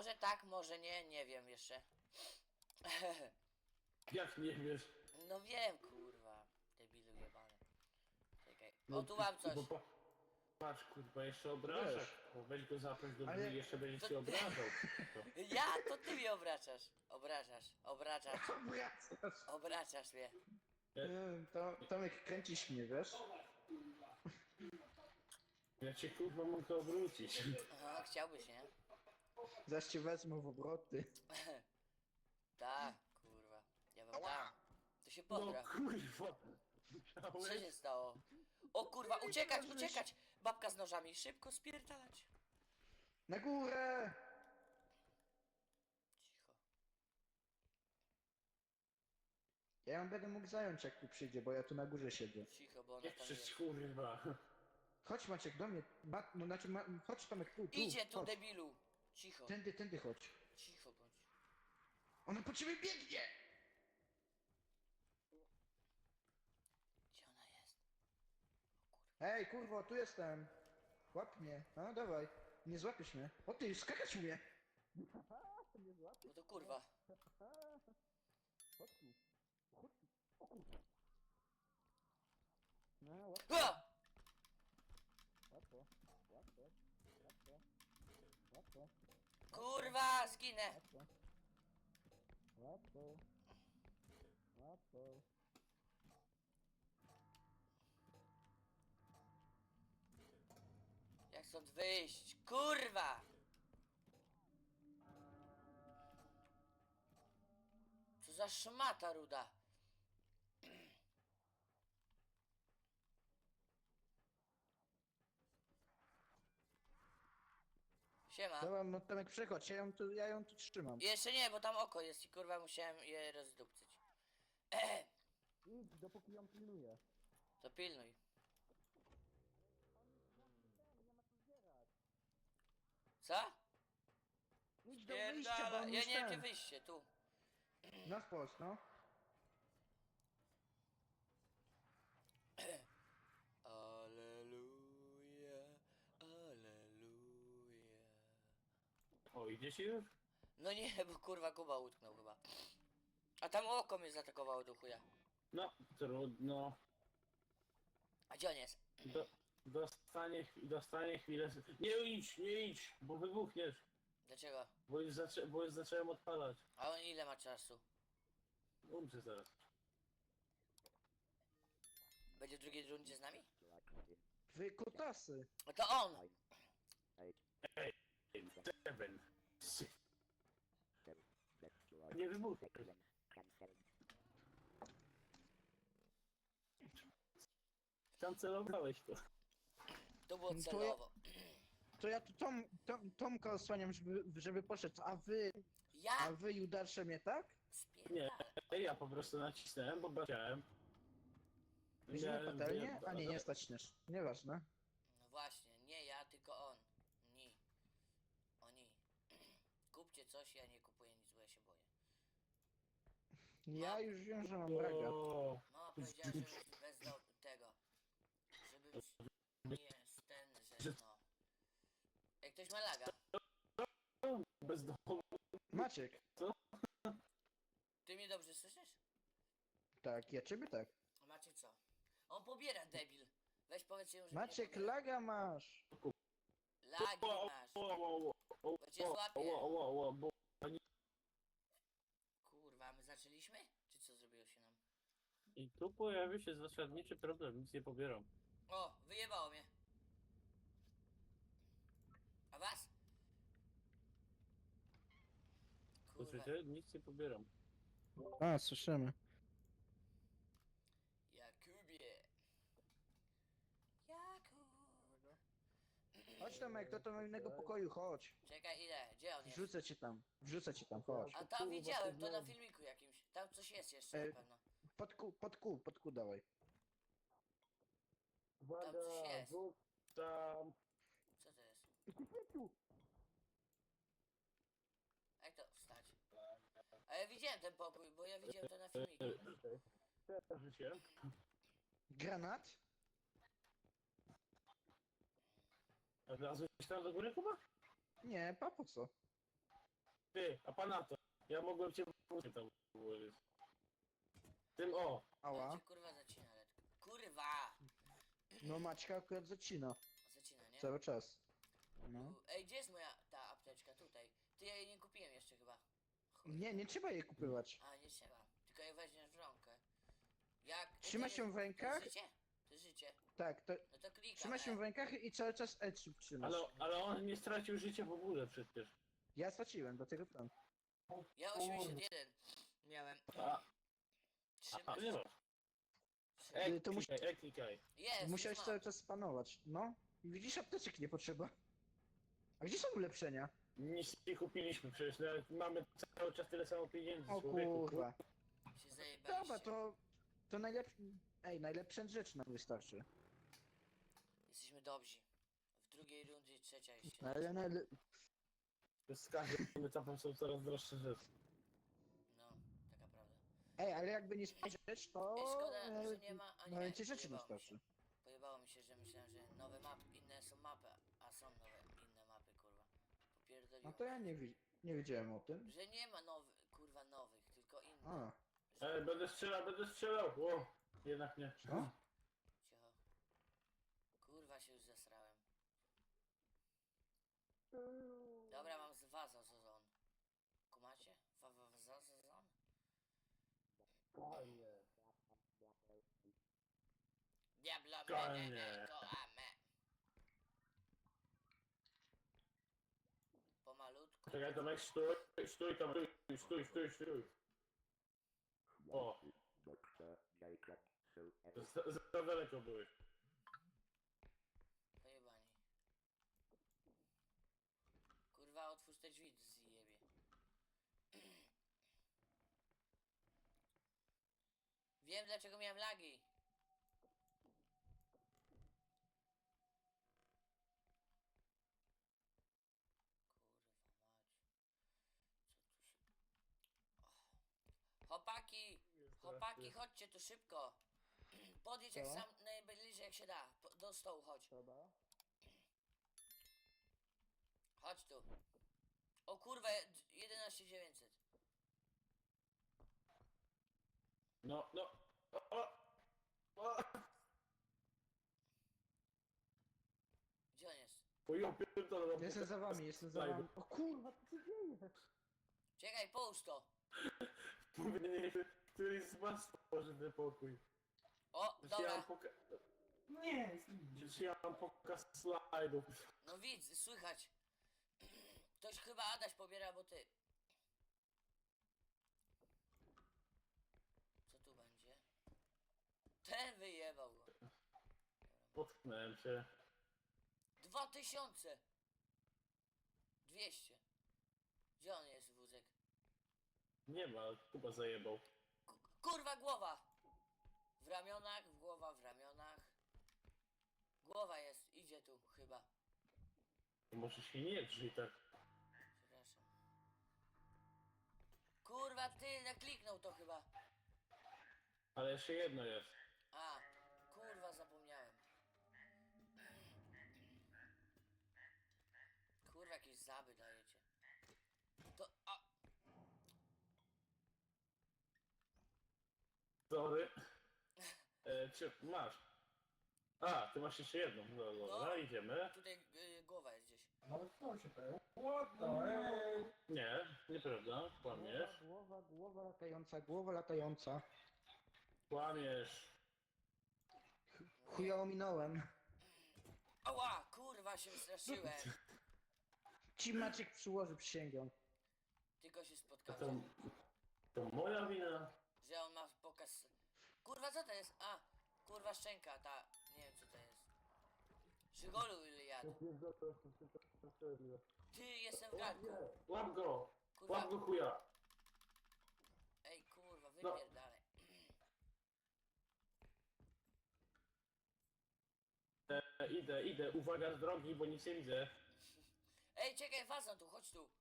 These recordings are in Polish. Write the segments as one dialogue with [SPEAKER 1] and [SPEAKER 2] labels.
[SPEAKER 1] Może tak, może nie, nie wiem jeszcze.
[SPEAKER 2] Jak nie wiesz?
[SPEAKER 1] No wiem, kurwa. Debilu jebany. Czekaj.
[SPEAKER 2] No,
[SPEAKER 1] O, tu mam coś.
[SPEAKER 2] Bo patrz, kurwa, jeszcze obrażasz.
[SPEAKER 3] Wiesz.
[SPEAKER 2] Bo weź go zaproś do
[SPEAKER 3] Ale-
[SPEAKER 2] drzwi i jeszcze będzie
[SPEAKER 1] To-
[SPEAKER 2] cię obrażał.
[SPEAKER 1] Ja? To ty mnie obracasz. Obracasz.
[SPEAKER 3] Wracasz.
[SPEAKER 1] Obracasz mnie.
[SPEAKER 3] Tomek, kręcisz mnie, wiesz?
[SPEAKER 2] Ja cię kurwa mogę obrócić.
[SPEAKER 1] Aha, chciałbyś, nie?
[SPEAKER 3] Zaś cię wezmę w obroty.
[SPEAKER 1] Tak, kurwa. Ja wam dam. To się
[SPEAKER 2] No
[SPEAKER 1] pogra.
[SPEAKER 2] kurwa.
[SPEAKER 1] Co się stało? O kurwa, uciekać! Babka z nożami, szybko spierdalać.
[SPEAKER 3] Na górę!
[SPEAKER 1] Cicho.
[SPEAKER 3] Ja ją będę mógł zająć, jak tu przyjdzie, bo ja tu na górze siedzę.
[SPEAKER 1] Cicho, bo ona
[SPEAKER 2] Nie
[SPEAKER 1] tam
[SPEAKER 2] krzycz
[SPEAKER 1] jest.
[SPEAKER 2] kurwa.
[SPEAKER 3] Chodź Maciek do mnie. No znaczy, chodź Tomek tu.
[SPEAKER 1] Idzie tu,
[SPEAKER 3] chodź.
[SPEAKER 1] debilu. Cicho,
[SPEAKER 3] Tędy chodź.
[SPEAKER 1] cicho bądź.
[SPEAKER 3] Ona po ciebie biegnie!
[SPEAKER 1] Gdzie ona jest? O kurwa.
[SPEAKER 3] Hej, kurwo, tu jestem. Łap mnie. No, dawaj. Nie złapiesz mnie. O ty, skakać mnie!
[SPEAKER 1] No to kurwa.
[SPEAKER 3] Chodź tu. Chodź tu. O kurwa. No, łap
[SPEAKER 1] Ha!
[SPEAKER 3] to. Łap to. Łap to.
[SPEAKER 1] Kurwa, zginę.
[SPEAKER 3] Łap to. Łap to.
[SPEAKER 1] Jak stąd wyjść? Kurwa! Co za szmata ruda. Siema.
[SPEAKER 3] Dobra, no Tomek, przechodź, ja ją tu trzymam.
[SPEAKER 1] Jeszcze nie, bo tam oko jest i kurwa musiałem je rozdupcyć.
[SPEAKER 3] Idź, dopóki ją pilnuję.
[SPEAKER 1] To pilnuj. Co?
[SPEAKER 3] Idź do wyjścia, bo
[SPEAKER 1] Pierdala.
[SPEAKER 3] on
[SPEAKER 1] Ja
[SPEAKER 3] już
[SPEAKER 1] nie wiem gdzie
[SPEAKER 3] ten.
[SPEAKER 1] wyjście, tu.
[SPEAKER 3] Na wprost, no.
[SPEAKER 1] Aleluja, aleluja.
[SPEAKER 2] O, idzie ci już?
[SPEAKER 1] No nie, bo kurwa Kuba utknął chyba. A tam oko mnie zaatakowało do chuja.
[SPEAKER 2] No, trudno.
[SPEAKER 1] A gdzie on jest?
[SPEAKER 2] Dostanie chwilę. Nie idź, bo wybuchniesz.
[SPEAKER 1] Dlaczego?
[SPEAKER 2] Bo już zacząłem odpalać.
[SPEAKER 1] A on ile ma czasu?
[SPEAKER 2] Umrze zaraz.
[SPEAKER 1] Będzie w drugiej rundzie z nami?
[SPEAKER 3] Wy kutasy.
[SPEAKER 1] No to on!
[SPEAKER 2] Seven. Nie wybuchnie. Tam celowałeś to.
[SPEAKER 1] To było
[SPEAKER 3] To ja-
[SPEAKER 1] celowo.
[SPEAKER 3] To ja tu Tomka osłaniam, żeby poszedł, a
[SPEAKER 1] Ja
[SPEAKER 3] Judasze mnie, tak?
[SPEAKER 1] spierdalę.
[SPEAKER 2] Ja po prostu nacisnąłem, bo chciałem.
[SPEAKER 3] Weźmiemy patelnię? A nie stać też. Nieważne.
[SPEAKER 1] No właśnie, nie ja, tylko on. Ni. Oni. Kupcie coś, ja nie kupuję nic, bo ja się boję.
[SPEAKER 3] Ja już wiem, że mam braga.
[SPEAKER 2] O,
[SPEAKER 1] Mama powiedziała, że bez tego. Żeby nie jest ten, że no. Jak ktoś ma laga.
[SPEAKER 2] bez domu.
[SPEAKER 3] Maciek.
[SPEAKER 1] Ty mnie dobrze słyszysz?
[SPEAKER 3] Tak, ja ciebie tak.
[SPEAKER 1] A Maciek co? On pobiera, debil. Weź powiedz mu, że
[SPEAKER 3] Maciek,
[SPEAKER 1] nie pobiera.
[SPEAKER 3] laga masz.
[SPEAKER 1] Lagi masz. Bo cię złapie. Kurwa, a my zaczęliśmy? Czy co zrobiło się nam?
[SPEAKER 2] I tu pojawił się zasadniczy problem, nic nie pobieram.
[SPEAKER 1] O, wyjebało mnie. A was? Kurwa.
[SPEAKER 2] Słyszycie? Nic nie pobieram.
[SPEAKER 3] A, słyszymy.
[SPEAKER 1] Jakubie. Jakub.
[SPEAKER 3] Chodź Tomek, do innego pokoju, chodź.
[SPEAKER 1] Czekaj, ile? Gdzie on jest?
[SPEAKER 3] Wrzucę cię tam, chodź.
[SPEAKER 1] A tam widziałem, to na filmiku jakimś. Tam coś jest jeszcze na pewno.
[SPEAKER 3] Pod kół dawaj.
[SPEAKER 1] Tam coś jest.
[SPEAKER 2] Tam.
[SPEAKER 1] Co to jest? Jak to wstać? A ja widziałem ten pokój, bo ja widziałem to na filmiku.
[SPEAKER 2] Życie.
[SPEAKER 3] Granat?
[SPEAKER 2] A wlazłeś tam do góry chyba?
[SPEAKER 3] Nie, po co?
[SPEAKER 2] Ty, a pana to. Ja mogłem cię tam ułożyć. Tym o.
[SPEAKER 3] Ała.
[SPEAKER 1] Cię kurwa zacina, Letko. Kurwa!
[SPEAKER 3] No Maćka akurat zacina.
[SPEAKER 1] Zacina, nie?
[SPEAKER 3] Cały czas. No.
[SPEAKER 1] Ej, gdzie jest moja ta apteczka? Tutaj. Ty, ja jej nie kupiłem jeszcze chyba. Chuj.
[SPEAKER 3] Nie trzeba jej kupować.
[SPEAKER 1] A, nie trzeba. Tylko je weźmiesz w rękę. Jak...
[SPEAKER 3] Trzyma
[SPEAKER 1] to
[SPEAKER 3] się
[SPEAKER 1] jest-
[SPEAKER 3] w rękach?
[SPEAKER 1] To jest życie? To jest życie.
[SPEAKER 3] Tak, to
[SPEAKER 1] No to klikam.
[SPEAKER 3] trzyma się w rękach i cały czas E3 trzymasz.
[SPEAKER 2] Ale on nie stracił życia w ogóle przecież.
[SPEAKER 3] Ja straciłem, dlatego tam.
[SPEAKER 1] Ja 81 miałem.
[SPEAKER 2] A,
[SPEAKER 1] Trzyma
[SPEAKER 2] nie
[SPEAKER 1] się.
[SPEAKER 2] ma. Ej,
[SPEAKER 3] To musi-
[SPEAKER 2] klikaj.
[SPEAKER 1] Jest,
[SPEAKER 3] Musiałeś
[SPEAKER 1] już
[SPEAKER 3] cały
[SPEAKER 1] mam.
[SPEAKER 3] czas spanować. No. I widzisz, apteczek nie potrzeba. A gdzie są ulepszenia?
[SPEAKER 2] Nic nie kupiliśmy przecież, nawet mamy cały czas tyle samo pieniędzy,
[SPEAKER 3] O
[SPEAKER 2] człowieku.
[SPEAKER 3] kurwa.
[SPEAKER 1] Się zajebaliście.
[SPEAKER 3] Dobra, to najlepszy... Ej, najlepsza rzecz nam wystarczy.
[SPEAKER 1] Jesteśmy dobrzy. W drugiej rundzie trzecia jeszcze.
[SPEAKER 3] No, ale
[SPEAKER 2] Z każdym etapem są coraz droższe rzeczy.
[SPEAKER 1] No, taka prawda.
[SPEAKER 3] Ej, ale jakby nie spojrzeć, to...
[SPEAKER 1] Ej, szkoda, że nie ma ani...
[SPEAKER 3] No więcej rzeczy
[SPEAKER 1] pojebało
[SPEAKER 3] nam
[SPEAKER 1] mi się.
[SPEAKER 3] starczy.
[SPEAKER 1] Pojebało mi się, że myślałem, że nowe mapy, inne są mapy, a są nowe, inne mapy, kurwa. Popierdoliło.
[SPEAKER 3] No to ja nie wiedziałem o tym.
[SPEAKER 1] Że nie ma kurwa nowych, tylko inne.
[SPEAKER 3] A,
[SPEAKER 2] Ej, będę strzelał! O, jednak nie.
[SPEAKER 3] co?
[SPEAKER 1] Cicho. Kurwa, się już zesrałem. Dobra, mam z waza sezon. Kumacie? Za sezon? Diablo me,
[SPEAKER 2] Konie.
[SPEAKER 1] kołame. Pomalutku.
[SPEAKER 2] Czekaj, Tomek, stój, Tomek, stój. O, za daleko byłeś.
[SPEAKER 1] Pojebani. Kurwa, otwórz te drzwi, zjebie. Wiem, dlaczego miałem lagi. Chłopaki, chodźcie tu szybko. Podjedź jak
[SPEAKER 3] Co?
[SPEAKER 1] sam najbliżej jak się da. Do stołu chodź. Chodź tu. O kurwa, 11900.
[SPEAKER 2] No. O,
[SPEAKER 1] Gdzie on jest?
[SPEAKER 2] o ja pierdolę.
[SPEAKER 3] Jestem za wami, jestem za wami. O kurwa, co się dzieje?
[SPEAKER 1] Czekaj, połóż to.
[SPEAKER 2] Mówię, któryś z was tworzy ten pokój.
[SPEAKER 1] O, dobra.
[SPEAKER 2] Przecież ja mam pokaz slajdów.
[SPEAKER 1] No widz, słychać. Ktoś chyba Adaś pobiera, bo ty. Co tu będzie? Ten wyjebał go.
[SPEAKER 2] Potknąłem się.
[SPEAKER 1] 2000. 200. Gdzie on jest, wózek?
[SPEAKER 2] Nie ma, Kuba zajebał.
[SPEAKER 1] Kurwa, głowa! W ramionach, głowa w ramionach. Głowa jest, idzie tu chyba.
[SPEAKER 2] Może się nie drzyj tak.
[SPEAKER 1] Przepraszam. Kurwa, ty nakliknął to chyba.
[SPEAKER 2] Ale jeszcze jedno jest.
[SPEAKER 1] A, kurwa, zapomniałem. Kurwa, jakieś zaby dajecie. To, a,
[SPEAKER 2] Sorry. Czy masz? A, ty masz jeszcze jedną. No, dobra,
[SPEAKER 1] No.
[SPEAKER 2] idziemy.
[SPEAKER 1] tutaj głowa jest gdzieś.
[SPEAKER 2] Nie, nieprawda. Kłamiesz.
[SPEAKER 3] Głowa latająca.
[SPEAKER 2] Kłamiesz.
[SPEAKER 3] Chuja ominąłem.
[SPEAKER 1] Ała, kurwa, się straszyłem.
[SPEAKER 3] Ci Maciek przyłoży, przysięgam.
[SPEAKER 1] Tylko się
[SPEAKER 2] A
[SPEAKER 1] spotkałem,
[SPEAKER 2] to moja wina.
[SPEAKER 1] że on ma pokaz... Kurwa, co to jest? A, kurwa, szczęka, ta... Nie wiem, co to jest. Żygolu ile jadł. Ty, jestem w garnku.
[SPEAKER 2] Łap go!
[SPEAKER 1] Kurwa,
[SPEAKER 2] Łap go chuja!
[SPEAKER 1] ej, kurwa,
[SPEAKER 2] No.
[SPEAKER 1] wypierdalaj.
[SPEAKER 2] Idę. Uwaga z drogi, bo nic nie widzę.
[SPEAKER 1] Ej, czekaj, wazon tu, chodź tu.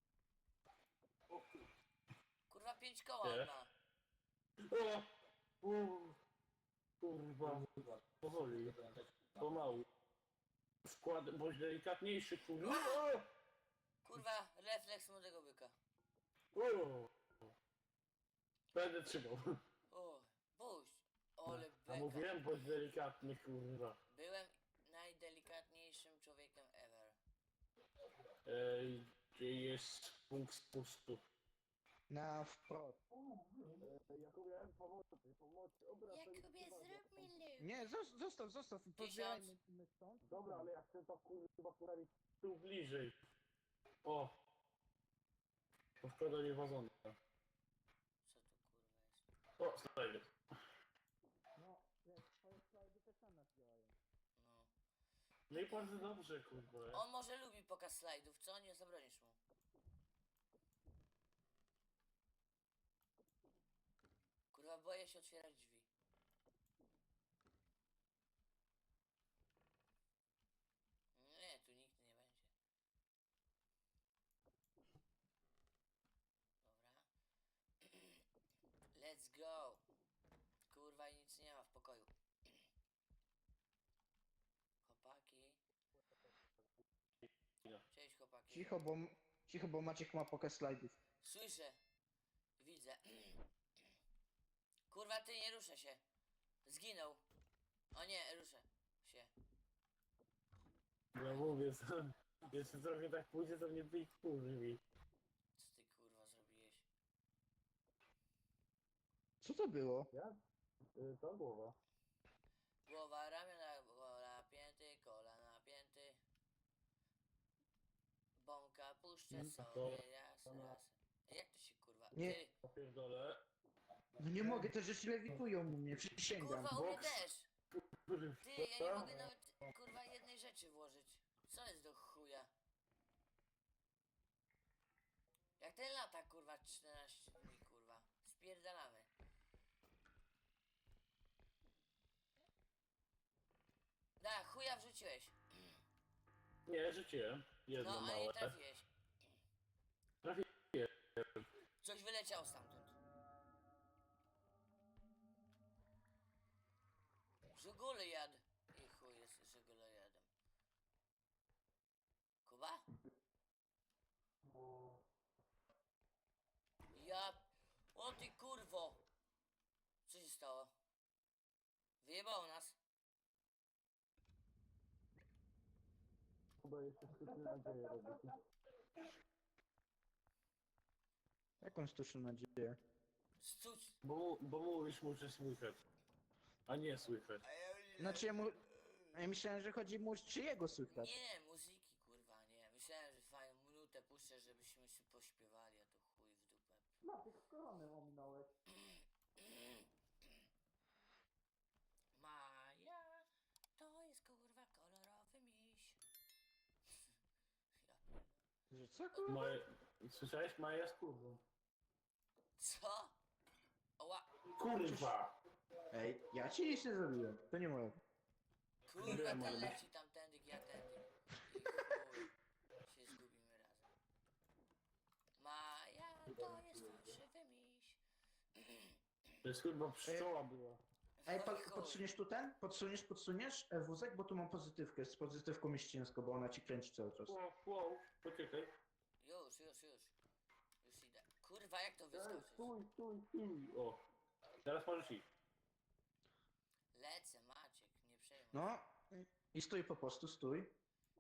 [SPEAKER 1] Kurwa, 5 koła
[SPEAKER 2] Nie.
[SPEAKER 1] on ma.
[SPEAKER 2] O! Kurwa. Powoli. Pomału. Skład, bądź delikatniejszy, kurwa.
[SPEAKER 1] Kurwa, refleks młodego byka.
[SPEAKER 2] O, będę trzymał.
[SPEAKER 1] O, puść. Ole
[SPEAKER 2] A
[SPEAKER 1] beka.
[SPEAKER 2] mówiłem, bądź delikatny, kurwa.
[SPEAKER 1] Byłem najdelikatniejszym człowiekiem ever.
[SPEAKER 2] Gdzie jest punkt spustu?
[SPEAKER 3] Na wprost.
[SPEAKER 2] Jakubie, pomocy,
[SPEAKER 1] Jakubie, zrób mi lód.
[SPEAKER 3] Nie, zostaw. Pozbierajmy stąd.
[SPEAKER 2] Dobra, ale ja chcę to kurwa postawić tu bliżej. O! To szkoda nie wazona.
[SPEAKER 1] Co tu kurwa jest?
[SPEAKER 2] O, znajdę.
[SPEAKER 3] No, twoje slajdy też na nas działają.
[SPEAKER 1] No.
[SPEAKER 2] No i bardzo dobrze, kurwa.
[SPEAKER 1] On może lubi pokaz slajdów, co? Nie zabronisz mu. Kurwa, boję się otwierać drzwi. Nie, tu nikt nie będzie. Dobra. Let's go. Kurwa, i nic nie ma w pokoju. Chłopaki. Cześć chłopaki.
[SPEAKER 3] Cicho, bo Maciek ma pokaz slajdów.
[SPEAKER 1] Słyszę. Widzę. Kurwa, ty nie ruszę się. Zginął. O nie, ruszę się.
[SPEAKER 2] Ja mówię, sam. Jeszcze trochę tak pójdzie, to mnie bij kurwi.
[SPEAKER 1] Co ty kurwa zrobiłeś?
[SPEAKER 3] Co to było?
[SPEAKER 2] Ja? To głowa.
[SPEAKER 1] Głowa, ramiona, gola, pięty, kola napięty. Bąka puszczę sobie raz, raz. Jak to się kurwa?
[SPEAKER 3] Nie.
[SPEAKER 1] Ty,
[SPEAKER 2] Ja pierdolę.
[SPEAKER 3] No nie mogę, te rzeczy lewitują u mnie, przysięgam.
[SPEAKER 1] kurwa, u mnie
[SPEAKER 2] boks.
[SPEAKER 1] też. Ty, ja nie mogę nawet kurwa jednej rzeczy włożyć. Co jest do chuja? Jak ten lata kurwa 14 dni kurwa. Spierdalamy. Da, chuja wrzuciłeś.
[SPEAKER 2] Nie, rzuciłem. Jedno
[SPEAKER 1] No, a nie
[SPEAKER 2] małe.
[SPEAKER 1] trafiłeś.
[SPEAKER 2] Trafiłem.
[SPEAKER 1] Coś wyleciało stamtąd. Żugule jad. I chuj jest żugule jadem. Kuba? Ja... O ty kurwo! Co się stało? Wyjebało nas.
[SPEAKER 2] Chyba jeszcze sztuczne nadzieje robić.
[SPEAKER 3] Jaką sztuczną nadzieję?
[SPEAKER 1] Stuć.
[SPEAKER 2] Bo mówisz, muszę słychać. A nie słychać.
[SPEAKER 3] Znaczy ja myślałem, że chodzi mu czy jego słychać.
[SPEAKER 1] Nie, muzyki kurwa, nie. Myślałem, że fajną minutę puszczę, żebyśmy się pośpiewali, a to chuj w dupę.
[SPEAKER 3] No, tylko koronę ominąłeś.
[SPEAKER 1] Maja, to jest kurwa kolorowy miś. Ja
[SPEAKER 3] Że co kurwa?
[SPEAKER 2] Moje... Słyszałeś? Maja z kurwą.
[SPEAKER 1] co? Oła,
[SPEAKER 2] Kurwa!
[SPEAKER 3] Ej, ja ci nic nie zrobiłem. To nie moje.
[SPEAKER 1] kurwa,
[SPEAKER 2] Wiem,
[SPEAKER 1] ten
[SPEAKER 2] ale-
[SPEAKER 1] leci tamtędy, ja tędy. I chuj, się zgubimy razem. Maja, to jest fałszywy miś.
[SPEAKER 2] To jest kurwa pszczoła była.
[SPEAKER 3] Ej,
[SPEAKER 1] Chuj, chuj.
[SPEAKER 3] podsuniesz tu ten? Podsuniesz wózek, bo tu mam pozytywkę, z pozytywką mieścińską, bo ona ci kręci cały czas.
[SPEAKER 2] Wow, poczekaj.
[SPEAKER 1] Już. Już idę. Kurwa, jak to wyskoczyć?
[SPEAKER 2] Stój. O. Teraz możesz iść.
[SPEAKER 1] Lecę, Maciek, nie przejmuj.
[SPEAKER 3] No, i stój po prostu, stój.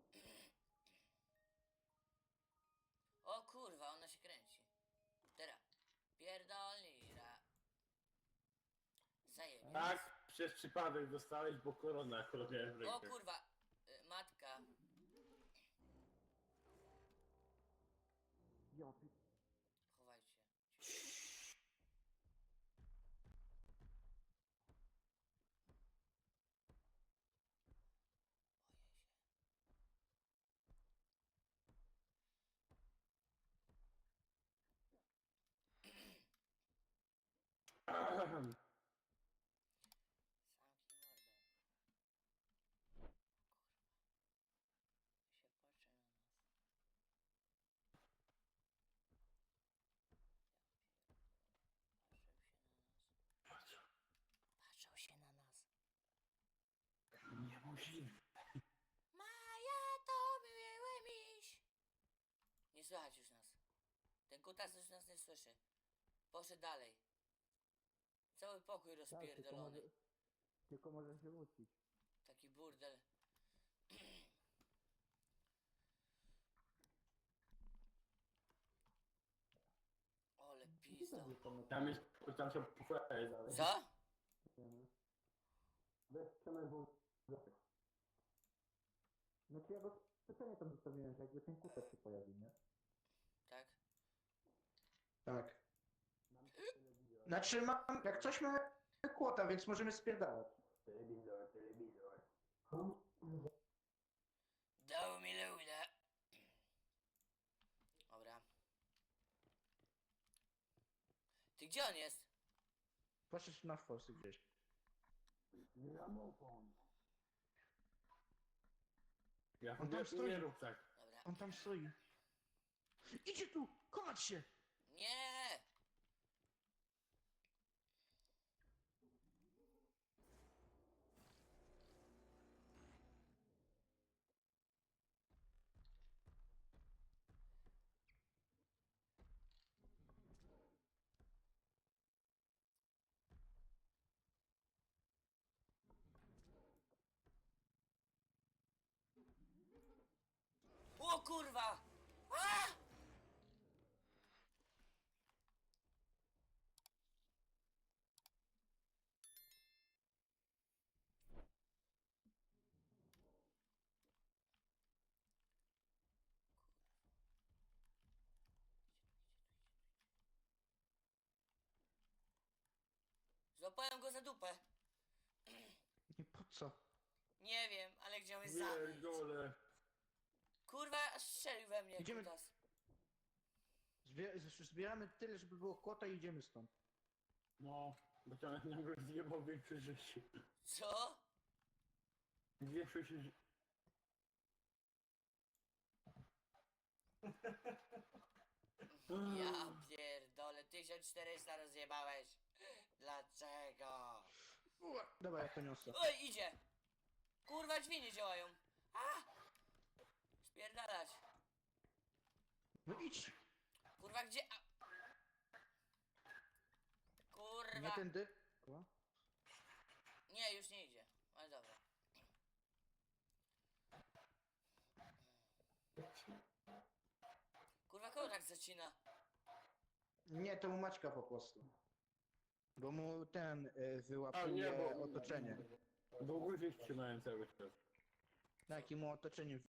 [SPEAKER 1] O kurwa, ona się kręci. Teraz. Pierdolnira. Zajebiście.
[SPEAKER 2] Tak, przez przypadek dostałeś, bo korona akurat miałem w
[SPEAKER 1] O
[SPEAKER 2] rękę.
[SPEAKER 1] kurwa, matka. Chowajcie. Zamknij mordę. Kurwa. Się patrzą się na nas.
[SPEAKER 2] Niemożliwe.
[SPEAKER 1] Maja, to miły miś. Nie słychać już nas. Ten kut kutas już nas nie słyszy. Poszedł dalej. Cały pokój rozpierdolony.
[SPEAKER 3] Tylko może się wrócić.
[SPEAKER 1] Taki burdel. Ole pizdo.
[SPEAKER 2] Tam jest, tam są pufery dalej.
[SPEAKER 1] Co?
[SPEAKER 3] Weź Przemek włosek. Znaczy ja go specjalnie tam zostawiłem, że jakby ten kutek się pojawił, nie?
[SPEAKER 1] Tak?
[SPEAKER 3] Tak. Znaczy mam, jak coś mamy kłota, więc możemy spierdalać.
[SPEAKER 2] Telewizor, telewizor.
[SPEAKER 1] Dał mi ludę. Dobra. Ty gdzie on jest?
[SPEAKER 3] Poszedł na forsy gdzieś.
[SPEAKER 2] Gramofon. Ja
[SPEAKER 3] On tam
[SPEAKER 2] nie,
[SPEAKER 3] stoi.
[SPEAKER 2] nie rób tak.
[SPEAKER 1] Dobra.
[SPEAKER 3] On tam stoi. Idzie tu! Chować się!
[SPEAKER 1] Nie! O kurwa! A! Złapałem go za dupę.
[SPEAKER 3] Nie po co?
[SPEAKER 1] Nie wiem, ale chciał mnie zabić.
[SPEAKER 2] Pierdolę.
[SPEAKER 1] Kurwa, aż strzelił we mnie
[SPEAKER 3] Idziemy-
[SPEAKER 1] kutas.
[SPEAKER 3] Zbieramy tyle, żeby było kłota i idziemy stąd.
[SPEAKER 2] No, bo tam nagle zjebał większe życie.
[SPEAKER 1] Co?
[SPEAKER 2] Większość ży-
[SPEAKER 1] Ja pierdolę, 1400 rozjebałeś. Dlaczego?
[SPEAKER 3] Dobra, ja to niosę.
[SPEAKER 1] Oj, idzie! Kurwa, drzwi nie działają. A! Spierdalać.
[SPEAKER 3] No idź!
[SPEAKER 1] Kurwa, gdzie? A...
[SPEAKER 3] Nie
[SPEAKER 1] Kurwa.
[SPEAKER 3] tędy. O.
[SPEAKER 1] Nie, już nie idzie. Ale dobra. Kurwa, kogo tak zacina?
[SPEAKER 3] Nie, to mu Maćka po prostu. Bo mu ten
[SPEAKER 2] A
[SPEAKER 3] wyłapuje
[SPEAKER 2] nie, bo...
[SPEAKER 3] otoczenie.
[SPEAKER 2] Bo łyżek trzymałem cały czas.
[SPEAKER 3] Tak, i mu otoczenie